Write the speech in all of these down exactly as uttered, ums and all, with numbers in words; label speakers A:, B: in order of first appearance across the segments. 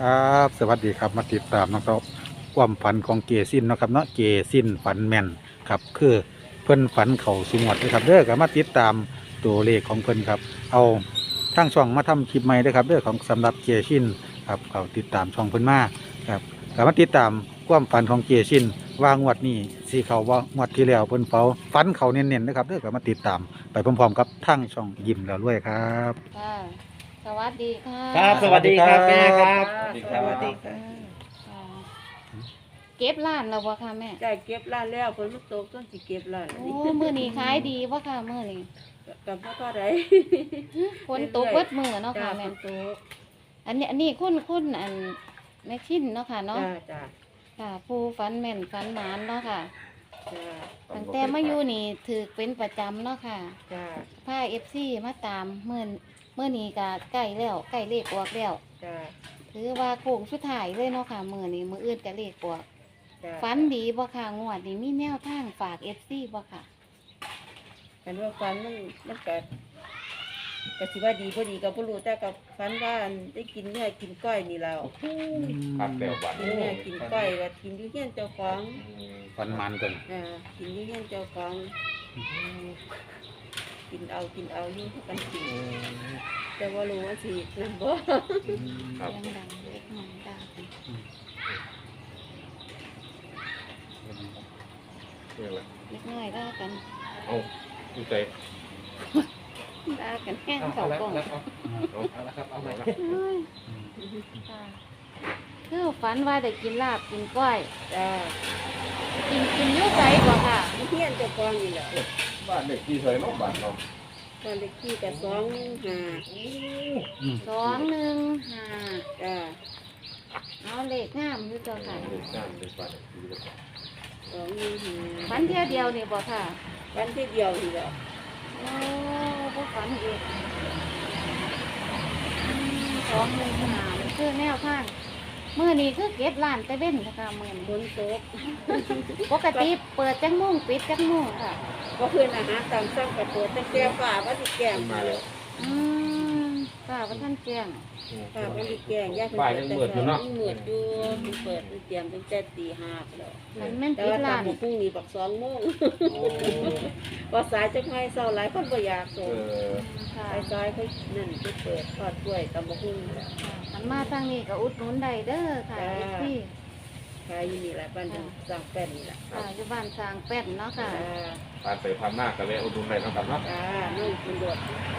A: ครับสวัสดีครับมาติดตามนะครับความฝันของเกซินเนาะครับเนาะเกซินฝันแม่นครับคือเพิ่นฝันเข่าสุงวดนะครับเด้อก็มาติดตามตัวเลขของเพิ่นครับเอาทั้งช่องมาทำคลิปใหม่ด้วยครับเด้อของสำหรับเกซินครับเขาติดตามช่องเพิ่นมาครับก็มาติดตามความฝันของเกซินว่างวดนี้สีเขาว่างวดที่แล้วเพิ่นเฝ้าฝันเขาเน้นๆนะครับเด้อก็มาติดตามไปพร้อมๆกับทั้งช่องยิ้มแล้วรวยครับ
B: ค่ะสวัสดีค่ะ
C: ครับสวัสดีครับแม่ครับ
D: สวัสดีครับ
C: สวัสดีค
B: ค่ะ
C: รับ
B: ค่ะเก็บร้านแล้วบ่ค่ะแม่
D: จ่ายเก็บร้านแล้วคนมันตกต้องสิเก็บร้าน
B: โอ้มื้อนี้ขายดีบ่ค่ะมื้อนี้
D: กับพ่อก็ได้
B: ฝนตกเบิดมื้อเนาะค่ะ
D: แม่
B: แม่
D: ตก
B: อันนี้อันนี้คุณคุณอันแม่ชินเนาะค่ะเนาะ
D: จ้าจ้า
B: ค่ะผู้ฝันแม่นฝันหมานเนาะค่ะ
D: จ้า
B: ตั้งแต่มาอยู่นี่ถือเป็นประจำเนาะค่ะ
D: จ้า
B: พา เอฟ ซี มาตามมื้อมื้อนี้ก็ใกล้แล้วใกล้เลขออกแล้ว
D: จ้า
B: ถือว่าโค้งสุดท้ายเลยเนาะค่ะมื้อนี้มื้ออื่นก็เลขออก
D: จ้า
B: ฝันดีบ่ค่ะงวดนี้มีแนวทางฝาก เอฟ ซี บ่ค่ะ
D: กันว่าฟันมันมันก็ก็สิว่าดีพอดีก็บ่รู้แต่กับฟันว่าอันได้กินเนื้อกินก้อยนี่แล้ว
C: ครับเปรี้ยวหวาน
D: กินเนื้อกินก้อยก็กินอยู่เฮียนเจ้าของ
A: ฝันมันกัน
D: อ่ากินอยู่เฮียนเจ้าของกินเอากินเอาอยู่กันกินแต่ว่ารู้ว่าสินั่นบ่
C: ครับ
B: เสียงดังเล็กน้อยด่ากัน
C: เปรี้ยวเลย
B: เล็กน้อยด่ากัน
C: เอาดูใจ
B: ด่ากันแห้งเขากล่อง
C: เอาละครับเอาละครับ
B: เฮ้ยค่ะคือฝันว่าได้กินลาบกินก้อย
D: จ้า
B: กินกินอยุ่ใจบ่ค่ะ
D: อยู่เฮียนเจ้าของนี่แหละ
C: บ้านเด็กที่เคยน้องบ้านเรา
D: ตอนเล็กที่กับสองห้า
B: สองหนึ่งห้า
D: จ้า
B: เอาเลขงามอยู่เจ้าค่ะ
C: เด็กสร้างเด็กบ้านเด็กที่เด็ก
D: สองหนึ่งห้า
B: ฝันเที่ยวเดียวนี่บ่ค่ะ
D: วันที่เดียวนี่แหละ
B: โอ้บ่ฝันอีกอืมสองหนึ่งห้านี่คือแนวทางมื้อนี้คือเก็บร้านแต่เว้นค่ะมื้อ
D: ฝ
B: นี้
D: นตก
B: ปกติเปิดจังมุ่งปิดจังมุ่งค่ะ
D: ก็คืออาหารตามสั่งไปเปิดแต่แก้ฝ่าว่าสิแกง
C: มาแล้ว
B: อืมค่ะว่าท่านแจ้ง
D: ฝ่าว่าสิแกงย่า
C: บ่ายยังมืดอยู่เนาะ
D: เหมือดอยู่มันเปิดมันเตรียมตั้งแต่ตีห้าแล้ว
B: มันแม่น
D: แต่
B: ปิด
D: ว่าตา
B: ร้าม น
D: พรุ่งนี้บักสองโมงพอสายจะไม่เศร้าหลายคนบ่อยาก
C: เอ
D: ส่ง
C: อ
B: ค่ะ
D: สายสายเขานั่นไปเปิดทอดกล้วยตำบักหุ่งแล้ว
B: มันมาทางนี้ก็อุดหนุนได้เด้อค่ะ
D: จ้า
B: เอฟซี
D: ขายอยู่นี่แหละบ้านสั่งแป้นนี่แหละ
B: ค่ะอยู่บ้านสร้างแป้นเนาะค่ะ
D: จ้า
C: ผ่านไปผ่านมากกันเลยอุดหนุนได้นะครับเนาะ
D: จ้านุ่งคุณดวด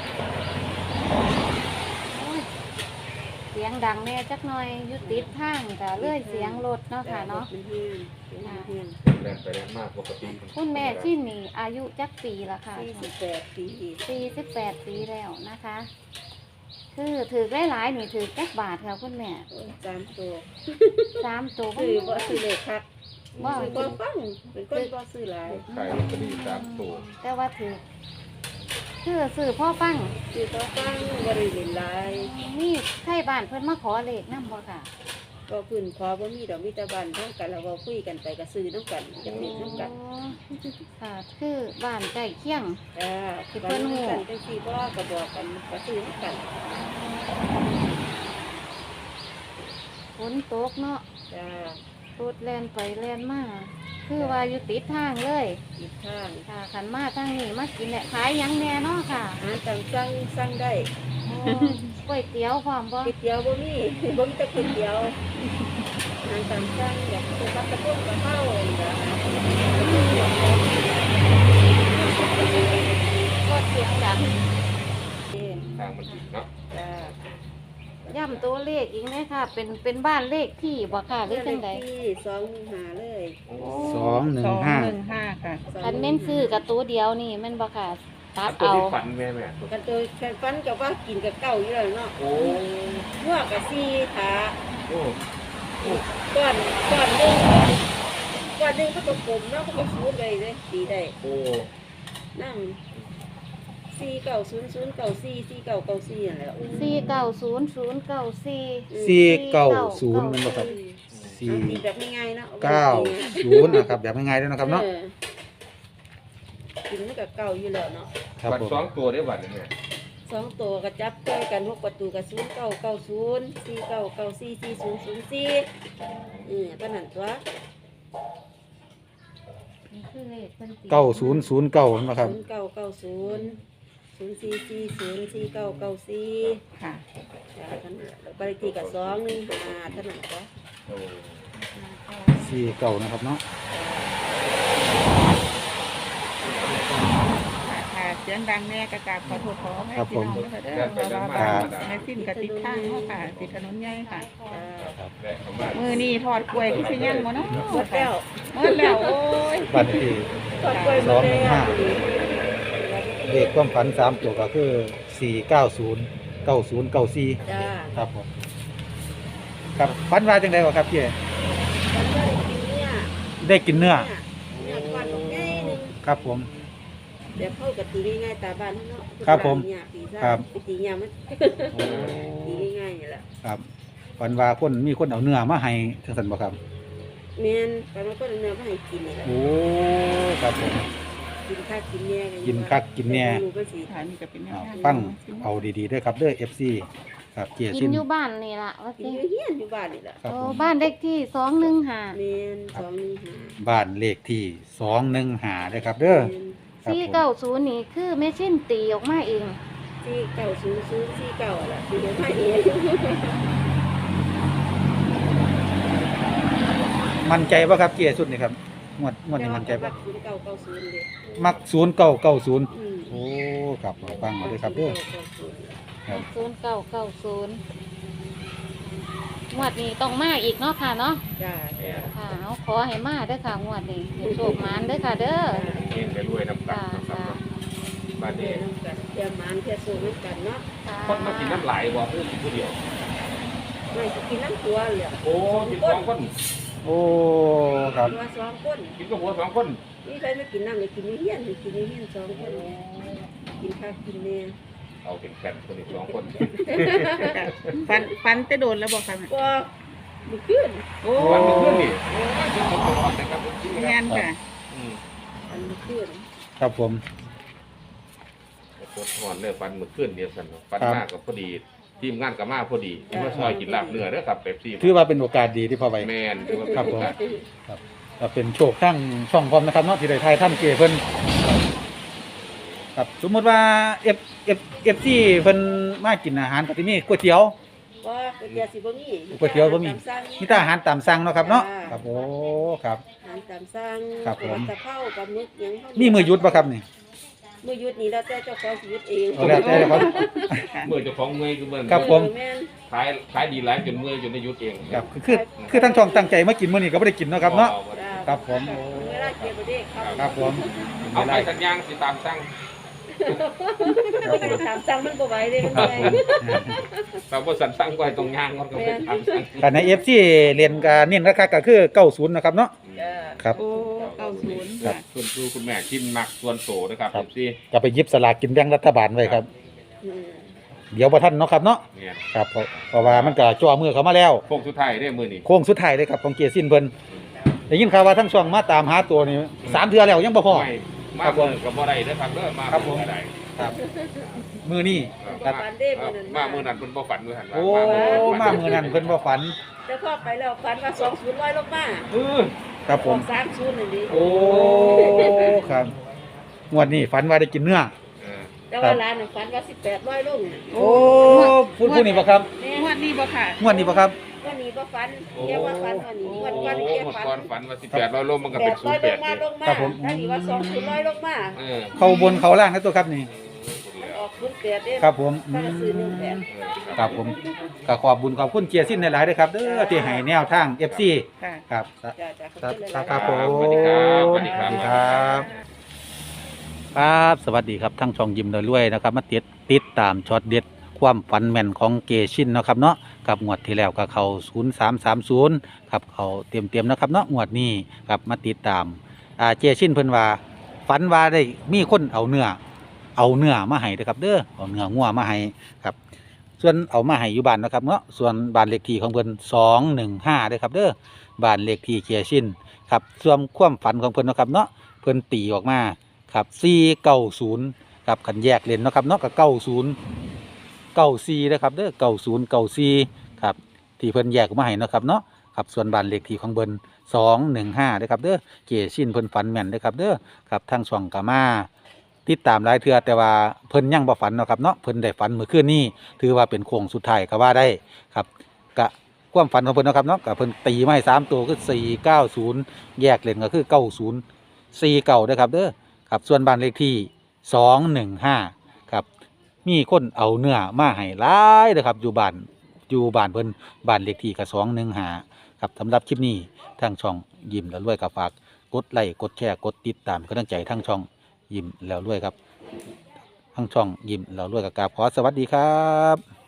B: โอ้ยเสียงดังแน่จักหน่อยอยู่ติดทางก็เลยเสียงรถเนาะค่ะเนาะ
D: มันเฮียนมันเฮียน
C: แรงไปแรงมากปกติ
B: คุณแม่ที่นี่อายุจักปีละค่ะ
D: สี่สิบแปดปี
B: สี่สิบแปดปีแล้วนะคะ คือถือได้หลายๆนี่ถือจักบาทค่ะคุณแม่
D: สามตัว
B: สามตัว
D: ซื้อบ่ซื้อเลขคัก
B: ว่า
D: ซื้อบ่ฟังเป็นคนบ่ซื้อหลาย
C: ขายลอตเตอรี่สามตัว
B: แต่ว่าถือคือสื่อพ่อฟัง
D: ซื้อบ่ฟังบ่ได้เล่นหลาย
B: นี่ไทยบ้านเพิ่นมาขอเลขนำบ่ค่ะ
D: ก็ขึ้นขอบ่มีดอกมีแต่บ้านทั้งกันแล้วก็คุยกันไปก็ซื้อนํกันจักเล่นนํกัน
B: อ๋อค่ะ คือบ้านใกล้เคียง
D: จ้า
B: ที่เพิ่นฮู้
D: กันจังซี่บ่ก็บอกกันก็ซื้อนํกัน
B: ฝนตกเนาะ
D: จ้าร
B: ถแล่นไปแล่นมาคือว่าอยู่ติดทางเลย
D: อีกทาง
B: ค่ะขันมาทางนี้มากินเนี่ยขายหยังแน่เนาะค่ะ
D: อาหารตามสั่งสั่งได้
B: โอ้ก๋วยเตี๋ยวพร้อมบ่
D: ก๋วยเตี๋ยวบ่มี บ่มีแต่ก๋วยเตี๋ยวอาหารตามสั่งอยากกินกับกระปุกกระเพรานี่ล่ะ
B: ก็เสียงดัง
C: ทางมันติดเนาะ
D: จ้า
B: ย่ำตัวเลขอีกไหมค่ะ เป็นเป็นบ้านเลขที่บ่ค่ะหรือจังใด
D: ที่สองหนึ่งห้าเลย
A: สองหนึ่งห้า
B: คันแม่นซื้อกับตัวเดียวนี่แม่นบ่ค่ะตัด
C: ตัว
B: เอา
C: ที่ฝันแม่แม่
D: กันโดยแฟนฟันกับว่ากินกับเก่าอยู่แล้วเนาะ
C: โอ้
D: หัวกับซีขา
C: โอ้
D: ก้อนก้อนหนึงก้อนหนึงเขาก็กลมเนาะเขาก็ฟูดเลยเลยตีได้
C: โอ้
D: นั่งซีเก่าศูนย์ศูนย์เก่าซีซีเก่าเก่าซีนั่นแหละ
B: สี่เก้าศูนย์ศูนย์เก้าสี่
A: สี่เก้าศูนย์มันบ่ครับ สี่
D: เอาตีแบบง่ายๆเนาะ
A: เก้าศูนย์นะครับแบบง่ายๆด้วยนะครับเนาะ
D: ออกินมันกับเก่าอยู่แล้วเนาะ
A: ครับ
C: บัต
A: ผ
C: ร
A: ม
C: สองตัวได้บัตรเนี่ย
D: บสองตัวก็จับใกล้กันหกประตูกับศูนย์เก้าเก้าศูนย์สี่เก้าเก้าสี่สี่ศูนย์ศูนย์สี่เออก็นั่นตัว
B: นี่คือเลขเพิ่นตี
A: เก้าศูนย์ศูนย์เก้านะครับ
D: ศูนย์เก้าเก้าศูนย์ศูนย์สี่สี่ศูนย์สี่เก้าเก้าสี่
E: ค่ะ
D: จ้าท่านแล้วบ้านเลขที่กับสองหนึ่งห้าท่านนั่นตัว
C: โอ้
A: สี่เก้านะครับเนาะ
E: ค่ะค่ะเสียงดังแน่กระกราบขอโทษขอให้พี่น้องด้วยค่ะเด้อเพราะว่าบ้านแม่สิ้นกับติดทางเนาะค่ะติดถนนใหญ่ค่ะ
D: จ้า
C: แรกเข้ามา
E: มือนี่ทอดกล้วยที่สิยังบ่เนาะ
D: หมดแล้ว
E: หมดแล้วโอ้ย
A: บัตรที่
D: กดกล้วยหมดแล้ว
A: เลขความฝันสามตัวก็คือสี่เก้าศูนย์เก้าศูนย์เก้าสี่
D: จ้า
A: ครับผมครับฝันว่าจังไดวะครับพี่
D: มันก็ได้กินเนี่ย
A: ได้กินเนื้อ
D: เนี่ยควันของง่ายหนึ่ง
A: ครับผม
D: เดี๋ยวเข้ากับตีง่ายๆตาบ้านเนาะ
A: ครับผม
D: เนี่ยปีซ่า
A: ครับ
D: ไปตีเนี่ยมัน
A: โอ้
D: ตีง่ายๆนี่แหละ
A: ครับฝันว่าคนมีคนเอาเนื้อมาให้จังซั่นบ่ครับ
D: เมนตอนนั้นก็เนื้อมาให้กินนี่แหละ
A: โอ้ครับผม
D: กินข้าวกินเนี่ย
A: กินคักกินแน่
D: รู้ก็สิ
E: ค่ะนี่ก็เป็นแนว
A: อ่า
E: ทาง
A: ฟังเอาดีๆด้วยครับเด้อ เอฟ ซี ครับเกีย
B: กิ
A: ชิ
B: น
A: น
B: อยู่บ้านนี่ล่ะว่า
D: กิน
B: สิ
D: อยู่เฮียนอยู่บ้านนี่แหละ
A: ครับ
B: โอ้
A: ผม
B: บ้านเลขที่สองหนึ่งห้า
D: เมนสองหนึ่งห้า
A: บ้านเลขที่สองหนึ่งห้าด้วยครับเด้อ
D: เมน
A: ครับ
B: สี่
A: ผม
B: เก้าศูนย์นี่คือแม่ชิ้นตีออกมาเอง
D: สี่เก้าศูนย์ศูนย์สี่เก้าอะล่ะตีเดี๋ยวมาเอง
A: มั่นใจป่ะครับเกียร์สุดนี่ครับงวดงวดนี้มั่นใจป่ะ
D: ศูนย์เก้าเก้าศูนย์เลย
A: มักศูนย์เก้าเก้าศูนย์
D: อืม
A: โอ้ครับเอาฟังเอาด้วยครับเด้อครับ
B: ศูนย์เก้าเก้าศูนย์งวดนี้ต้องมาอีกเนาะค่ะเนาะ
D: จ้าจ้า
B: ค่ะเอาขอให้มาเด้อค่ะงวดนี้ให้โชคหมานเด้อค่ะเด้อ
C: เองไปรวยน้ำกั
B: ค่ะ
C: นนะครับ
B: ค่ะ
C: บ้าน
D: เดี๋
C: นี้
D: ยวน้ำกันเดี๋ยวหมานเที่ยวสูงน้ำกันเนาะ
B: ค่ะ
C: คนมากินน้ำไหลบ่เพื่อกินผู้เดียว
D: ไม่สิกินน้ำตัวเลย
C: โอ้กินสองคน
A: โอ้ครับ
D: ตัวสองคน
C: กินกับหัวสองคน
D: นี่ใครไม่กินน้ำเลยกินอยู่เฮียนเลยกินอยู่เฮียนสองคนกินข้าวกินเนี่ย
C: เอาเป็นแผ่นคนอีกสองคน
E: ฟันฟันจะโดนแล้วบอกค่ะ
D: ก็มันขึ้น
E: โอ้
C: วันหนึ่งเพื่อนนี่โอ้ยเป็นคนตัวอ่อนนะครับ
E: งานค่ะ
C: อืม
D: มันขึ้น
A: ครับผม
C: ตัวอ่อนเลยฟันมือขึ้นเดียวกันฟัน
A: ครับ
C: มากกับพอดีทีมงานกับมาพอดีที่ว่าซอยกินลาบเนื้อเด้อครับเป๊ปซี่
A: ถือว่าเป็นโอกาสดีที่พอไป
C: แมนถือว่าเป็น
A: ครับผม
C: โอกาส
A: ก็เป็นโชคทั้งช่องพร้อมนะครับเนาะที่ได้ทายท่านเกียร์เพิ่นครับสมมติว่า F F F ที่เพิ่นมากินอาหารกับที่นี่ก๋วยเตี๋ยว
D: ว่าก๋วยเตี๋ยวสิบ่มี
A: ก๋วยเตี๋ยวบ่มี
D: ตาสั่ง
A: มีแต่อาหารตามสั่งเนาะครับเนาะ
D: จ้า
A: ครับโอ้ครับ
D: อาหารตามสั่ง
A: ครับผม
D: ตะเข้ากับมึกหยังเข้า
A: มีมือหยุดป่ะครับนี่
D: มือหยุดนี่แล้วแต่เจ้าของสิหยุดเอง
A: เอาแล้วแต่ครับ
C: เมื่อเจะฟ้าของเมื่อยคือเมื่อ
A: ครับผม
D: แม่น
C: ขายขายดีหลายจนเมื่อยจนได้หยุดเอง
A: ครับคือคือคือทั้งช่องตั้งใจมากินมื้อนี้ก็บ่ได้กินเนาะครับเนาะ
D: จ้า
A: ครับผมโอ้
D: เวลาเก็บบ่ได้ครับ
A: ครับผม
C: เอาไปสัญญาณสิตามสั่ง
D: ไม่ได้ถามสั่งมันบ่ไหวเด้มัน
A: ครับ
D: ไง
A: ผม
C: เราบ่สันสั่งไว้ตรงยางมันก็ไปตามสั่ง
A: แต่ใน F ที่เรียนก็เน้นราคาก็คือเก้าสิบนะครับเนาะ
D: จ้า
A: ครับ
E: โอ้เก้าศูนย์
A: ครั
E: ค่ะ
A: บ
C: ส่วนครูคุณแม่กินหมักส่วนโตนะครับ
A: ครับ
C: เอฟซี
A: ก็ไปหยิบสลากกินแบ่งรัฐบาลไว้ครับ
D: อืม
A: เดี๋ยวบ่ทันเนาะครับเนาะ
C: เนี่ย
A: ครับเพราะเพราะว่ามันก็จ่อมือเขามาแล้ว
C: พวกสุดท้ายได้มือนี่
A: โค้งสุดท้ายเลยครับของเกียร์สิ้นเพิ่นได้ยินข่าวว่าทั้งช่วงมาตามหาตัวนี่สามเทื่อแล้วยังบ่พอ
C: ไม่มา
A: ครับผม
C: เมื่อกับบ่ได้เด้อครับเด้อมา
A: ครับผม
C: บ่ได้
A: ครับมือนี่ค
C: มา
A: รับ
D: ฝันเด้มื้อนั้น
C: มามื้อนั้นเพิ่นบ่ฝันด้วยหั่น
A: โอ้มามือนั้นเพิ่นบ่ฝัน
D: แต่พอไปแล้วฝันว่าสองศูนย์ร้อยลงมา
C: เออ
A: ครับผม
D: สามศูนย์นั่นดิ
A: โอ้ครับงวดนี้ฝันว่าได้กินเนื้อ
C: เออ
D: แต่ว่าร้านน่ะฝันว่าสิบแปดร้อยลง
A: โอ้พูดพูดนี่บ่ครับ
D: แม่
E: งวดนี้บ่ค่ะ
A: งวดนี้บ่ครับ
D: วันนี้บ่ฝันแกว่าฝันวันนี้
C: โอ้
D: วันวัน
C: โห
D: แก
C: หมด
D: ฝั
C: ก่อน
D: น
C: ฝันว่าสิบแปดร้อยโลมันก็
D: แป
C: เป็น
D: ด
C: ศู
D: ร้อน ย
C: ย์แป
D: ล
C: ด
D: งมา
C: เนี่ย
D: ลงมา
A: ครับผม
D: ถ้าดีว่าสองศูนย์ร้อยลงมา
C: เออ
A: เข้าบนเข้าล่างนะตัวครับนี่
D: ออกศูนย์แปดเด้
A: ครับผมอื
D: ถ้าจะซื้อหนึ่ง
A: ม
D: แปด
A: ครับผมก็ขอบบุญขอบคุณเกียร์สิ้นหลายๆด้วยครับเด้อที่ให้แนวทาง เอฟ ซี
E: ค่ะ
A: ครับ
D: จ้าจ้าขอบ
A: ครับ
D: คุณห
A: ค
D: ลา
A: รับ
D: ยๆ
A: ผม
C: สวัสดีครับสวัสดีครับ
A: สวัสดีครับครับ สวัสดีครับทั้งช่องยิ้มรวยๆนะครับ มาติดติดตามช็อตเด็ดความฝันแม่นของเกชินเนาะครับเนาะกับงวดที่แล้วก็เขาศูนย์สามสามศูนย์ครับเขาเตรียมเตรียมๆนะครับเนาะงวดนี้ครับมาติดตามอ่าเจชินเพิ่นว่าฝันว่าได้มีคนเอาเนื้อเอาเนื้อมาให้เด้อครับเด้อเอาเนื้องัวมาให้ครับ ส่วนเอามาให้อยู่บ้านนะครับเนาะส่วนบ้านเลขที่ของเพิ่นสองหนึ่งห้าเด้อครับเด้อบ้านเลขที่เกียร์ชินครับส่วนความฝันของเพิ่นเนาะครับเนาะเพิ่นตีออกมาครับสี่เก้าศูนย์ครับขันแยกเลนเนาะครับเนาะกับเก้าศูนย์เก้าสี่นะครับเด้อเก้าศูนย์เก้าสี่ครับที่เพิ่นแยกออกมาให้เนาะครับเนาะครับส่วนบ้านเลขที่ของเบิ่นสองหนึ่งห้านะครับเด้อเกชินเพิ่นฝันแม่นนะครับเด้อครับทางช่องกามาติดตามหลายเทื่อแต่ว่าเพิ่นยังบ่ฝันเนาะครับเนาะเพิ่นได้ฝันเมื่อคืนนี้ถือว่าเป็นโค้งสุดท้ายก็ว่าได้ครับกะความฝันของเพิ่นเนาะครับเนาะก็เพิ่นตีมาให้สามตัวคือสี่เก้าศูนย์แยกเลนก็คือเก้าศูนย์สี่เก้าเด้อครับเด้อครับส่วนบ้านเลขที่สองหนึ่งห้าครับมีคนเอาเนื้อมาให้หลายเด้อครับอยู่บ้านอยู่บ้านเพิ่นบ้านเลขที่ก็สองหนึ่งห้าครับสำหรับคลิปนี้ทางช่องยิ้มแล้วรวยก็ฝากกดไลค์กดแชร์กดติดตามกำลังใจทางช่องยิ้มแล้วรวยครับทางช่องยิ้มแล้วรวยก็กราบขอสวัสดีครับ